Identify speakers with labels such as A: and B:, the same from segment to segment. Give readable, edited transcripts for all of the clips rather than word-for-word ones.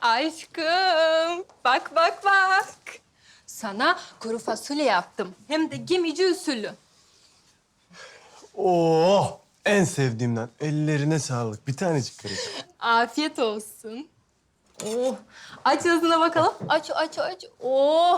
A: Aşkım, bak bak bak. Sana kuru fasulye yaptım. Hem de gemici usulü.
B: Oo, en sevdiğimden. Ellerine sağlık. Bir tanecik karıcığım.
A: Afiyet olsun. Oh, aç ağzına bakalım. Aç, aç, aç. Oh.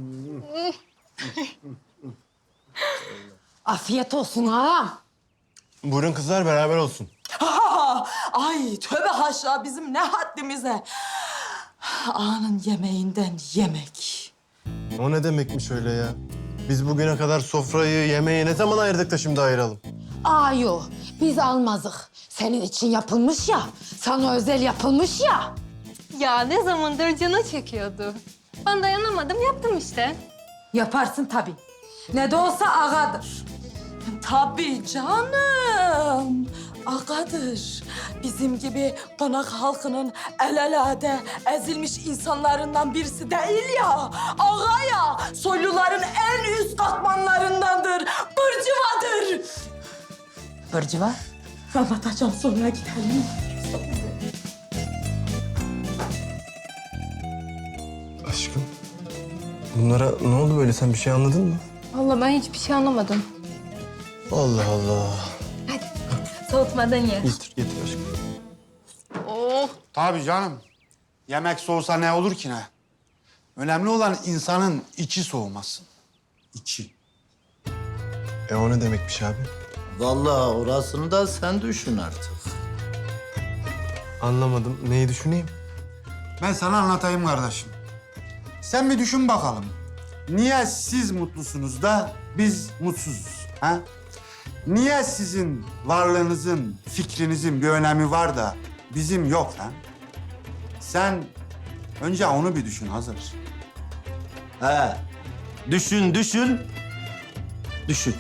C: Afiyet olsun ağam.
B: Buyurun kızlar, beraber olsun.
D: Ay tövbe haşa bizim ne haddimize. Ağanın yemeğinden yemek.
B: O ne demekmiş öyle ya? Biz bugüne kadar sofrayı, yemeği ne zaman ayırdık da şimdi ayıralım?
C: Yo, biz almazık. Senin için yapılmış ya, sana özel yapılmış ya.
A: Ya ne zamandır canı çekiyordu. Ben dayanamadım, yaptım işte.
C: Yaparsın tabii. Ne de olsa ağadır.
D: Tabii canım. Ağadır. Bizim gibi konak halkının el elade ezilmiş insanlarından birisi değil ya. Ağa ya. Soyluların en üst katmanlarındandır. Burcuvadır.
C: Burcuva?
D: Anlatacağım sonra gidelim.
B: Aşkım, bunlara ne oldu böyle? Sen bir şey anladın mı?
A: Vallahi ben hiçbir şey anlamadım.
B: Allah Allah.
A: Soğutmadan ye.
B: Getir, getir aşkım.
A: Oh.
E: Tabii canım. Yemek soğusa ne olur ki ne? Önemli olan insanın içi soğumasın. İçi.
B: O ne demekmiş abi?
F: Vallahi orasını da sen düşün artık.
B: Anlamadım. Neyi düşüneyim?
E: Ben sana anlatayım kardeşim. Sen bir düşün bakalım. Niye siz mutlusunuz da biz mutsuzuz? Ha? Niye sizin varlığınızın, fikrinizin bir önemi var da bizim yok ha? Sen önce onu bir düşün Hazır.
F: He. Düşün, düşün. Düşün.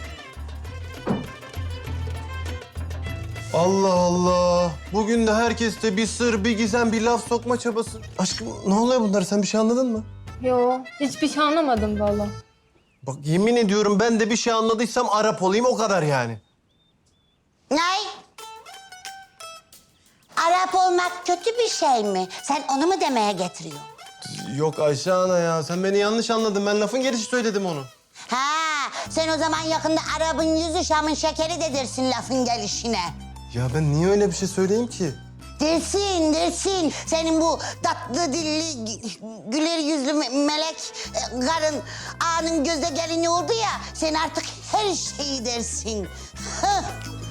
B: Allah Allah. Bugün de herkeste bir sır, bir gizem, bir laf sokma çabası. Aşkım ne oluyor bunlar? Sen bir şey anladın mı?
A: Yo, hiçbir şey anlamadım vallahi.
B: Bak yemin ediyorum ben de bir şey anladıysam Arap olayım o kadar yani.
G: Ne? Arap olmak kötü bir şey mi? Sen onu mu demeye getiriyorsun?
B: Yok Ayşe ana ya sen beni yanlış anladın. Ben lafın gelişi söyledim onu.
G: Ha, sen o zaman yakında Arap'ın yüzü Şam'ın şekeri de dersin lafın gelişine.
B: Ya ben niye öyle bir şey söyleyeyim ki?
G: Dersin, dersin. Senin bu tatlı dilli, güler yüzlü melek karın ağanın gözde gelini oldu ya. Sen artık her şeyi dersin. Hah.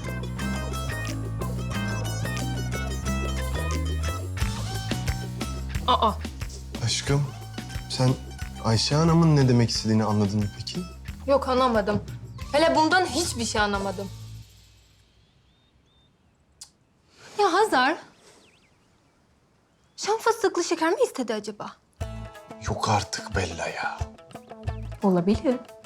A: Aa.
B: Aşkım sen Ayşe Hanım'ın ne demek istediğini anladın mı peki?
A: Yok anlamadım. Hele bundan hiçbir şey anlamadım. Ya Hazar. Şam fıstıklı şeker mi istedi acaba?
B: Yok artık Bella ya.
A: Olabilir.